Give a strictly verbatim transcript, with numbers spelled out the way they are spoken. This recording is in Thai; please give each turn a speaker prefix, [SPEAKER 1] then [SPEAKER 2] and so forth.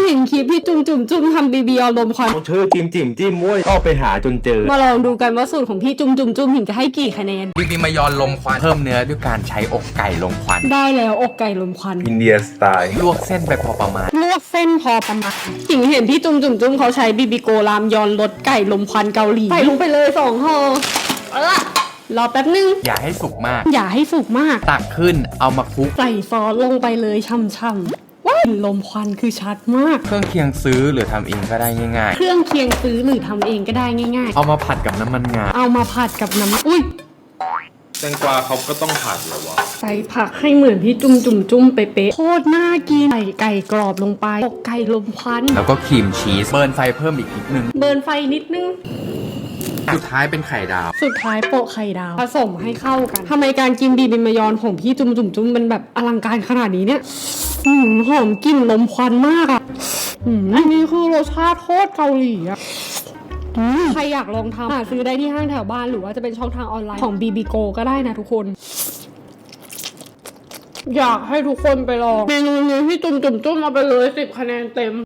[SPEAKER 1] เห็นคลิปพี่จุ่มจุ่มจุ่มทำบีบีเอาลมควัน
[SPEAKER 2] ชื่อจิมจิมจิ้มม้วยก็ไปหาจนเจอ
[SPEAKER 1] มาลองดูกันว่าสูตรของพี่จุ่มจุ่มจุ่มหินจะให้กี่คะแนน
[SPEAKER 3] บีบีมายอนลมควันเพิ่มเนื้อด้วยการใช้อกไก่ลมควัน
[SPEAKER 1] ได้แล้วอกไก่ลมควัน
[SPEAKER 2] อินเดียสไตล์
[SPEAKER 3] ลวกเส้นไปพอประมาณ
[SPEAKER 1] ลวกเส้นพอประมาณหิงเห็นพี่จุ่มจุ่มจุ่มเขาใช้บีบีโกรามยอนรสไก่ลมควันเกาหลีใส่ลงไปเลยสองห่อเออรอแป๊บนึง
[SPEAKER 3] อย่าให้สุกมาก
[SPEAKER 1] อย่าให้สุกมาก
[SPEAKER 3] ตักขึ้นเอามาคลุก
[SPEAKER 1] ใส่ซอสลงไปเลยช่ำๆว้าวลมควันคือชัดมาก
[SPEAKER 3] เครื่องเคียงซื้อหรือทำเองก็ได้ง่าย
[SPEAKER 1] ๆเครื่องเคียงซื้อหรือทำเองก็ได้ง่ายๆ
[SPEAKER 3] เอามาผัดกับน้ำมันงา
[SPEAKER 1] เอามาผัดกับน้ำอุ้ย
[SPEAKER 2] แตงกวาเขาก็ต้องผัดเหรอวะ
[SPEAKER 1] ใส่ผักให้เหมือนพี่จุ่มจุ่มจุ่มเป๊ะๆโคตรน่ากินใส่ไก่กรอบลงไปอกไก่ลมควัน
[SPEAKER 3] แล้วก็ครีมชีสเบิร์นไฟเพิ่มอีกนิดนึง
[SPEAKER 1] เบิร์นไฟนิดนึง
[SPEAKER 3] สุดท้ายเป็นไข่ดาว
[SPEAKER 1] สุดท้ายโปะไข่ดาวผสมให้เข้ากันทำไมการกินบีบิมายอนของพี่จุ่มจุ่มจุ่มมันแบบอลังการขนาดนี้เนี่ยหืมหอมกลิ่นลมควันมากอ่ะหืมอันนี้คือรสชาติโคตรเกาหลีอ่ะใครอยากลองทำหาซื้อได้ที่ห้างแถวบ้านหรือว่าจะเป็นช่องทางออนไลน์ของ บี บี Go ก็ได้นะทุกคนอยากให้ทุกคนไปลองเมนูนี้พี่จุ่มจุ่มจุ่มเอาไปเลยสิบคะแนนเต็ม